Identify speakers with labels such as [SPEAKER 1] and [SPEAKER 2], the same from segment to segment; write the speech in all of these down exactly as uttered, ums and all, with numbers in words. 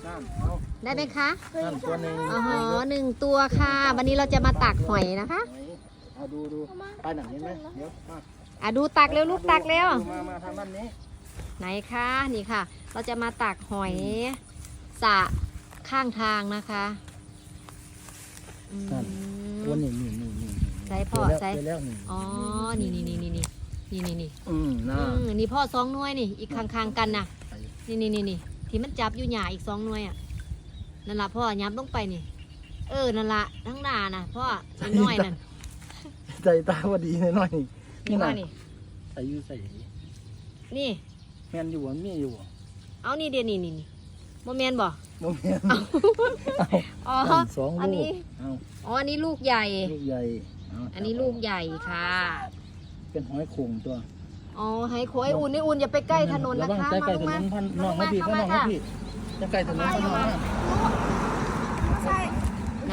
[SPEAKER 1] ได้ไหมคะ
[SPEAKER 2] ตัวหนึ่ง
[SPEAKER 1] อ๋อหนึ่งตัวค่ะ วันนี้เราจะมาตักหอยนะคะ
[SPEAKER 2] เอาดูดูไปหนังเห็นไหมเดี๋ยวมา
[SPEAKER 1] อ่ะดูตักเร็วลูกตักเร็ว
[SPEAKER 2] มามาทางด้านนี้
[SPEAKER 1] ไหนคะนี่ค่ะ เราจะมาตักหอยสระข้างทางนะคะอืม
[SPEAKER 2] ตัวนี้นี่นี่นี่
[SPEAKER 1] ใส่พ่อใส่
[SPEAKER 2] แล้วนี่
[SPEAKER 1] อ๋อนี่นี่นี่นี่นี่นี่นี่นี่
[SPEAKER 2] อืมน่า
[SPEAKER 1] อืมนี่พ่อสองหน่วยนี่อีกข้างๆกันนะนี่นี่นี่นี่ที่มันจับอยู่หยาอีกสองหน่วยอ่ะนั่นละพ่อยับลงไปนี่ เออนั่นละทั้งหน้าน่ะพ่อน้อยๆนั่น
[SPEAKER 2] ใจตาว่าดีหน่อย
[SPEAKER 1] นี่พ่อนี่
[SPEAKER 2] ใส่อยู่ใส่
[SPEAKER 1] นี่
[SPEAKER 2] แมนอยู่บ่มีอยู่บ่
[SPEAKER 1] เอานี่เดี๋ยวนี่นี่นี่โมเมนบ่
[SPEAKER 2] บ่แมน
[SPEAKER 1] อ๋อ
[SPEAKER 2] สอง
[SPEAKER 1] อัน
[SPEAKER 2] ลู
[SPEAKER 1] นี้
[SPEAKER 2] กเอา
[SPEAKER 1] อ๋ออันนี้ลูกใหญ่
[SPEAKER 2] ลูกใหญ่เา
[SPEAKER 1] อันนี้ลูกใหญ่ค่ะ
[SPEAKER 2] เป็นหอยโข่งตัว
[SPEAKER 1] อ๋อให้โคยอุ่นนี่อุ่นอย่าไปใกล้ถนนนะคะ
[SPEAKER 2] ใกล้ใกล้ถน
[SPEAKER 1] มาน
[SPEAKER 2] พันน้องมาพี่พันน้องมาพี่จะใกล้ถนนพันน้องมา
[SPEAKER 1] ไหน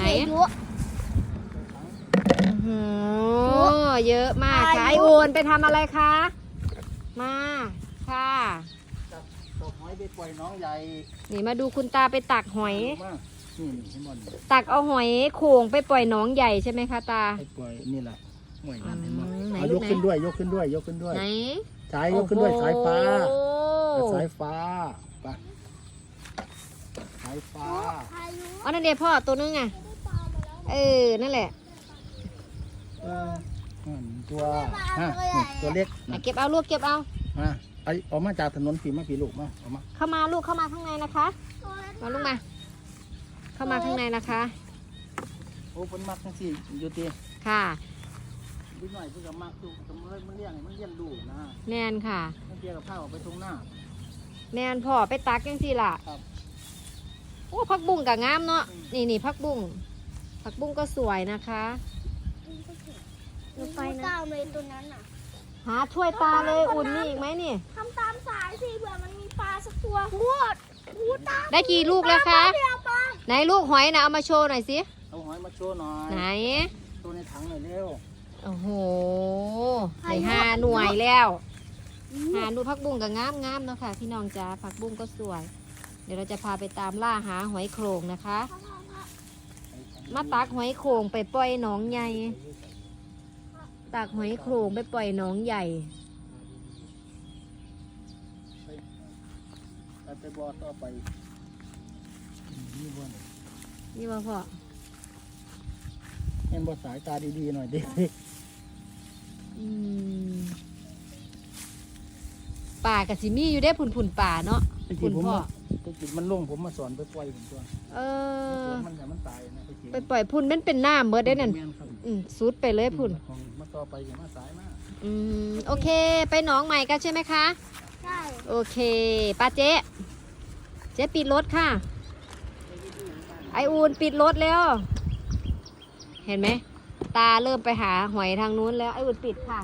[SPEAKER 1] โอ้เยอะมากค่ะไออุ่นไปทำอะไรคะมาค่ะ
[SPEAKER 2] จับตัวหอยไปปล่อยน้องใหญ่
[SPEAKER 1] นี่มาดูคุณตาไปตักหอย
[SPEAKER 2] มานี่นี่ให้มัน
[SPEAKER 1] ตักเอาหอยโข่งไปปล่อยหนองใหญ่ใช่ไหมคะตา
[SPEAKER 2] ไปปล่อยนี่แหละหน่วยงานเห็นมั้
[SPEAKER 1] อืมไหน
[SPEAKER 2] เอา
[SPEAKER 1] ลู
[SPEAKER 2] ย
[SPEAKER 1] ก
[SPEAKER 2] ก
[SPEAKER 1] ไหน
[SPEAKER 2] ขึ้นด้วยยกขึ้นด้วยยกขึ้นด้วย
[SPEAKER 1] ไหน
[SPEAKER 2] สายยกขึ้นด้วยสายฟ้า
[SPEAKER 1] โอ้โห
[SPEAKER 2] สายฟ้าไปสายฟ้า
[SPEAKER 1] อ๋อนั่นเดี๋ยวพ่อตัวนึงอ่ะเออนั่นแหละ
[SPEAKER 2] เออนั่นตัวฮะนี่ตัวเล็ก
[SPEAKER 1] อ่ะ
[SPEAKER 2] นะ
[SPEAKER 1] เก็บเอาลูกเก็บเอา
[SPEAKER 2] มาไอออกมาจากถนนผีมาผีลูกมาออกมา
[SPEAKER 1] เข้ามาลูกเข้ามาข้างในนะคะมาลูกมา เข้ามาข้างในนะคะ
[SPEAKER 2] โอ้เพิ่นมักจังซี่อยู่ติ
[SPEAKER 1] ค่ะ
[SPEAKER 2] นิดหน่อยเพิ่นก็มักอยู่ก็มันมันเลี้ยงให้มันเลี้ยงดูนะ
[SPEAKER 1] แน่นค่ะ
[SPEAKER 2] มันเกี่ยวกับข้าวออกไปตรงหน้า
[SPEAKER 1] แน่นพ่อไปตักยังสิล่ะ
[SPEAKER 2] ครับ
[SPEAKER 1] โอ้ผักบุ้งกับงามเนาะนี่นี่ผักบุ้งผักบุ้งก็สวยนะคะ
[SPEAKER 3] หนูไปนะตามเลยตัวนั้นอ่ะ
[SPEAKER 1] หาช่วยตาเลยอุ่นนี่อีกไหมนี่
[SPEAKER 3] ทำตามสายสิเผื่อมันมีปลาสักตัวพูดพูดตาม
[SPEAKER 1] ได้กี่ลูกแล้วคะ
[SPEAKER 3] เดี๋ยวปลา
[SPEAKER 1] ไหนลูกหอยนะเอามาโชว์หน่อยสิ
[SPEAKER 2] เอาหอยมาโชว์หน่อย
[SPEAKER 1] ไหน
[SPEAKER 2] ตัวในถังหน่อยเร็ว
[SPEAKER 1] โอ้โหไหนห้าหน่วยแล้วหาดูผักบุ้งกับงามงามๆเนาะค่ะพี่น้องจ้าผักบุ้งก็สวย เดี๋ยวเราจะพาไปตามล่าหาหอยโขงนะคะ มาตักหอยโขงไปปล่อยหนองใหญ่ตักหอยโขงไปปล่อยหนองใหญ่
[SPEAKER 2] ไปไปบ่อต่อไปนี่บ่เนี่ย
[SPEAKER 1] นี่ว่าพ่อ
[SPEAKER 2] เห็นบ่สายตาดีๆหน่อยดิ
[SPEAKER 1] อืมป่ากับสิมีอยู่ได้ผุนผุนๆป่าเนาะ
[SPEAKER 2] ตะ
[SPEAKER 1] คุ
[SPEAKER 2] กี้
[SPEAKER 1] ณ
[SPEAKER 2] ผม
[SPEAKER 1] พ่อ
[SPEAKER 2] มาตะกี้มันลงผมมาสอนไปปล่อยผมตัว
[SPEAKER 1] เออ
[SPEAKER 2] มันแต่มันตายนะตะกี้
[SPEAKER 1] ไปปล่อยพุ่นมันเป็นหน้าเมื่อได้นั่น
[SPEAKER 2] แม่ครับ
[SPEAKER 1] อืมสุดไปเลยพุ่น
[SPEAKER 2] ของมาต่อไปอย่ามาสายมาก
[SPEAKER 1] อืมโอเค ไปหนองใหม่กันใช่ไหมคะ
[SPEAKER 3] ใช่
[SPEAKER 1] โอเคป้าเจ๊เจ๊ปิดรถค่ะ ไออูนปิดรถแล้ว เห็นไหม ตาเริ่มไปหาหอยทางนู้นแล้ว ไออูนปิดค่ะ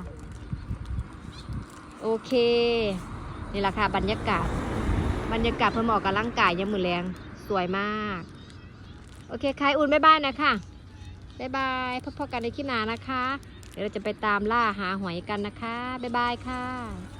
[SPEAKER 1] โอเค นี่แหละค่ะบรรยากาศ บรรยากาศเพื่อเหมาะกับร่างกายยามมือแรงสวยมาก โอเคค่ะไออูนบ๊ายบายนะคะบ๊ายบายพบกันในคลิปหน้านะคะ เดี๋ยวเราจะไปตามล่าหาหอยกันนะคะบ๊ายบายค่ะ